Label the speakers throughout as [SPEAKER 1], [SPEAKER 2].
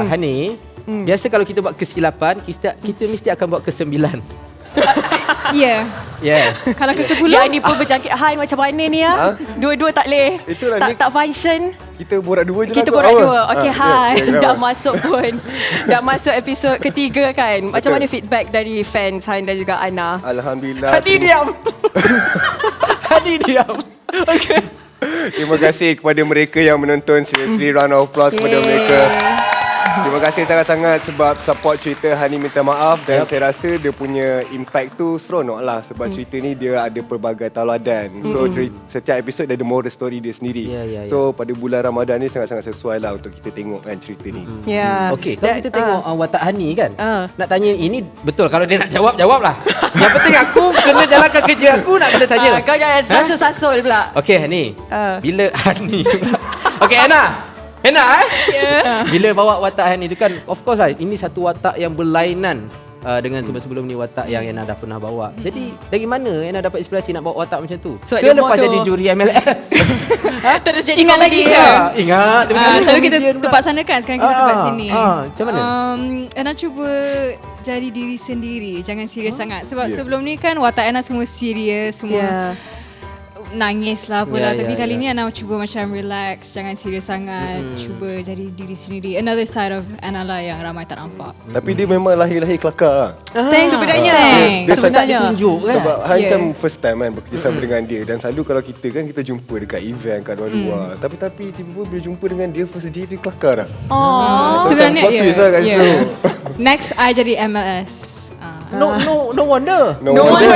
[SPEAKER 1] Hani, biasa kalau kita buat ke-8, kita mesti akan buat ke-9.
[SPEAKER 2] Ya.
[SPEAKER 1] Yes.
[SPEAKER 2] Kalau ke-10
[SPEAKER 3] Yang ni pun berjangkit Han macam mana ni ya? Dua-dua tak boleh.
[SPEAKER 4] Itulah ni.
[SPEAKER 3] Tak function.
[SPEAKER 4] Kita borak dua je lah.
[SPEAKER 3] Kita borak dua. Okey, Han dah
[SPEAKER 4] kenapa?
[SPEAKER 3] masuk pun. Dah masuk episod ketiga kan. Macam mana feedback dari fans Han dan juga Ana?
[SPEAKER 4] Alhamdulillah.
[SPEAKER 1] Hani diam. Hani diam. Okey.
[SPEAKER 4] Terima kasih kepada mereka yang menonton. Seriously, round of applause kepada mereka. Terima kasih sangat-sangat sebab support cerita Hani Minta Maaf. Dan saya rasa dia punya impact tu seronok lah. Sebab cerita ni dia ada pelbagai tauladan. So setiap episod dia ada moral story dia sendiri. So pada bulan Ramadan ni sangat-sangat sesuai lah untuk kita tengok kan cerita ni.
[SPEAKER 3] Ya.
[SPEAKER 1] Okey, kalau kita tengok watak Hani kan, nak tanya ini betul. Kalau dia nak jawab, jawablah. Yang penting aku kena jalankan kerja aku, nak kena tanya.
[SPEAKER 3] Kau jangan sasul-sasul pula.
[SPEAKER 1] Okey, Hani. Bila Hani pula. Okey, Ana. Bila bawa watak Hani tu kan, of course lah, ini satu watak yang berlainan dengan sebelum-sebelum ni watak yang Ana dah pernah bawa. Jadi dari mana Ana dapat inspirasi nak bawa watak macam tu?
[SPEAKER 3] So,
[SPEAKER 1] ke lepas jadi juri MLS?
[SPEAKER 3] Terus jadi
[SPEAKER 2] Ingat lagi ke?
[SPEAKER 1] Ingat.
[SPEAKER 2] Selalu kita tempat sana kan, sekarang kita tempat sini.
[SPEAKER 1] Macam mana?
[SPEAKER 2] Ana cuba jadi diri sendiri, jangan serius sangat. Sebab sebelum ni kan watak Ana semua serius, semua nangis lah pula. Tapi kali ni Ana cuba macam relax, jangan serius sangat, cuba jadi diri sendiri. Another side of Ana lah yang ramai tak nampak.
[SPEAKER 4] Tapi dia memang lahir-lahir kelakar lah.
[SPEAKER 2] Thanks.
[SPEAKER 3] Sebenarnya.
[SPEAKER 4] Dia
[SPEAKER 3] Sebenarnya.
[SPEAKER 1] Tunjuk kan?
[SPEAKER 4] Sebab Han macam first time kan bekerjasama dengan dia. Dan selalu kalau kita kan kita jumpa dekat event kat luar-luar. Tapi tiba-tiba bila jumpa dengan dia, first dia kelakar lah.
[SPEAKER 2] Sebenarnya
[SPEAKER 4] plot twist lah kat situ.
[SPEAKER 2] Next I jadi MLS.
[SPEAKER 1] No wonder.
[SPEAKER 4] No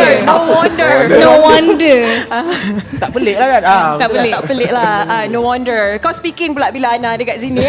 [SPEAKER 2] wonder.
[SPEAKER 1] Tak pelik lah kan?
[SPEAKER 2] Tak pelik.
[SPEAKER 3] Tak pelik lah. No wonder. Kau speaking pula bila Ana dekat sini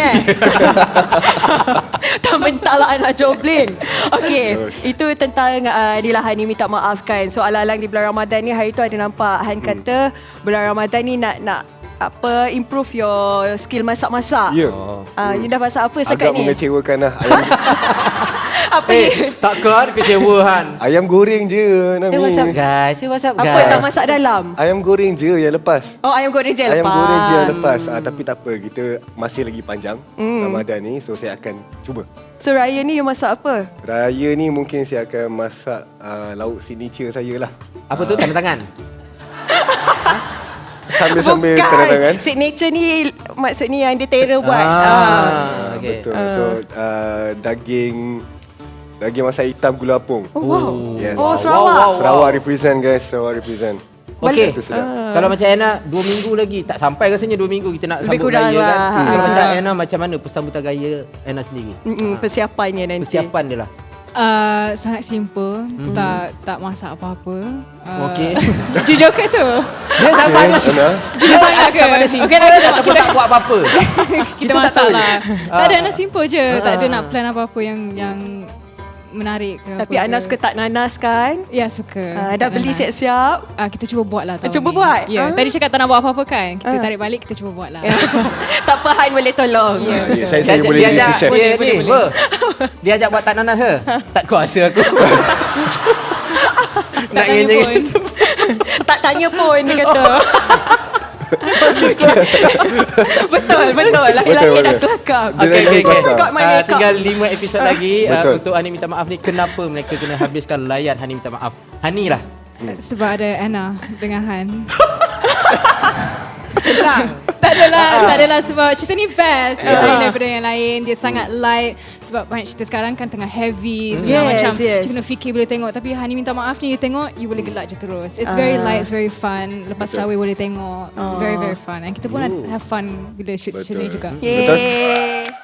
[SPEAKER 3] Tak mentah lah Ana jobling. Okay, itu tentang Nila Hani Minta Maaf kan. So alang-alang di bulan Ramadan ni, hari tu ada nampak Han kata bulan Ramadan ni nak improve your skill masak-masak.
[SPEAKER 4] Ya.
[SPEAKER 3] You dah masak apa sekarang
[SPEAKER 4] Agak
[SPEAKER 3] ni?
[SPEAKER 4] mengecewakan lah.
[SPEAKER 3] Apa ni?
[SPEAKER 1] Tak keluar kecewa Han.
[SPEAKER 4] Ayam goreng je Nami.
[SPEAKER 1] WhatsApp guys.
[SPEAKER 3] Apa tak masak dalam?
[SPEAKER 4] Ayam goreng je yang lepas.
[SPEAKER 3] Oh, ayam goreng je
[SPEAKER 4] Ayam
[SPEAKER 3] lepas.
[SPEAKER 4] goreng je yang lepas. Tapi tak apa, kita masih lagi panjang Ramadan ni. So saya akan cuba.
[SPEAKER 3] So raya ni you masak apa?
[SPEAKER 4] Raya ni mungkin saya akan masak lauk signature saya lah.
[SPEAKER 1] Apa tu tanda tangan?
[SPEAKER 4] Sambil-sambil tanda tangan.
[SPEAKER 3] Signature ni maksudnya yang dia terror buat.
[SPEAKER 1] Okay.
[SPEAKER 4] Betul. So daging masak hitam gula apung.
[SPEAKER 3] Oh, wow.
[SPEAKER 4] Yes.
[SPEAKER 3] Oh, Sarawak.
[SPEAKER 4] Sarawak represent guys. Sarawak represent.
[SPEAKER 1] Okey.
[SPEAKER 4] Itu sedap.
[SPEAKER 1] Kalau macam Ana 2 minggu lagi, tak sampai rasanya 2 minggu kita nak
[SPEAKER 3] Lebih
[SPEAKER 1] sambut
[SPEAKER 3] kurang
[SPEAKER 1] raya
[SPEAKER 3] lah.
[SPEAKER 1] kan. Kalau macam Ana macam mana persambutan raya Ana sendiri?
[SPEAKER 3] Persiapannya nanti.
[SPEAKER 1] Persiapan dia lah.
[SPEAKER 2] Sangat simple, tak masak apa-apa.
[SPEAKER 1] Okey.
[SPEAKER 2] Jujur ke tu?
[SPEAKER 1] Dia sama ada
[SPEAKER 2] Jujur sangat ke?
[SPEAKER 1] sama ada simple.
[SPEAKER 2] Okey,
[SPEAKER 1] Kita tak buat apa-apa.
[SPEAKER 2] kita masak lah. Tak ada, Ana simple je. Tak ada nak plan apa-apa yang menarik ke.
[SPEAKER 3] Tapi Ana suka tak nanas kan?
[SPEAKER 2] Ya, suka.
[SPEAKER 3] Dah beli siap-siap?
[SPEAKER 2] Kita cuba buat lah tahun
[SPEAKER 3] Cuba
[SPEAKER 2] ni.
[SPEAKER 3] buat?
[SPEAKER 2] Ya, tadi cakap tak nak buat apa-apa kan? Kita tarik balik, kita cuba buat lah.
[SPEAKER 3] Tak apa, Han boleh tolong.
[SPEAKER 2] Ya, betul.
[SPEAKER 4] Saya boleh jadi chef.
[SPEAKER 2] Boleh.
[SPEAKER 1] Dia ajak buat tak nanas ke? Tak kuasa aku.
[SPEAKER 2] Tak tanya pun.
[SPEAKER 3] Tak tanya pun, dia kata. Betul. Laki-laki dah kelakar.
[SPEAKER 1] Okay.
[SPEAKER 3] Got my makeup.
[SPEAKER 1] Tinggal 5 episod lagi
[SPEAKER 4] Betul.
[SPEAKER 1] untuk Hani Minta Maaf ni. Kenapa mereka kena habiskan layan Hani Minta Maaf? Hani lah.
[SPEAKER 2] Sebab ada Ana dengan Han.
[SPEAKER 1] Senang.
[SPEAKER 2] Tak adalah sebab cerita ni best. Lain daripada yang lain. Dia sangat light. Sebab banyak cerita sekarang kan tengah heavy. Macam kita kena fikir boleh tengok. Tapi Hani Minta Maaf ni, you tengok, you boleh gelak je terus. It's very light, it's very fun. Lepas terawih boleh tengok. Very, very fun. And kita pun have fun bila shoot cerita ni juga.
[SPEAKER 4] Betul.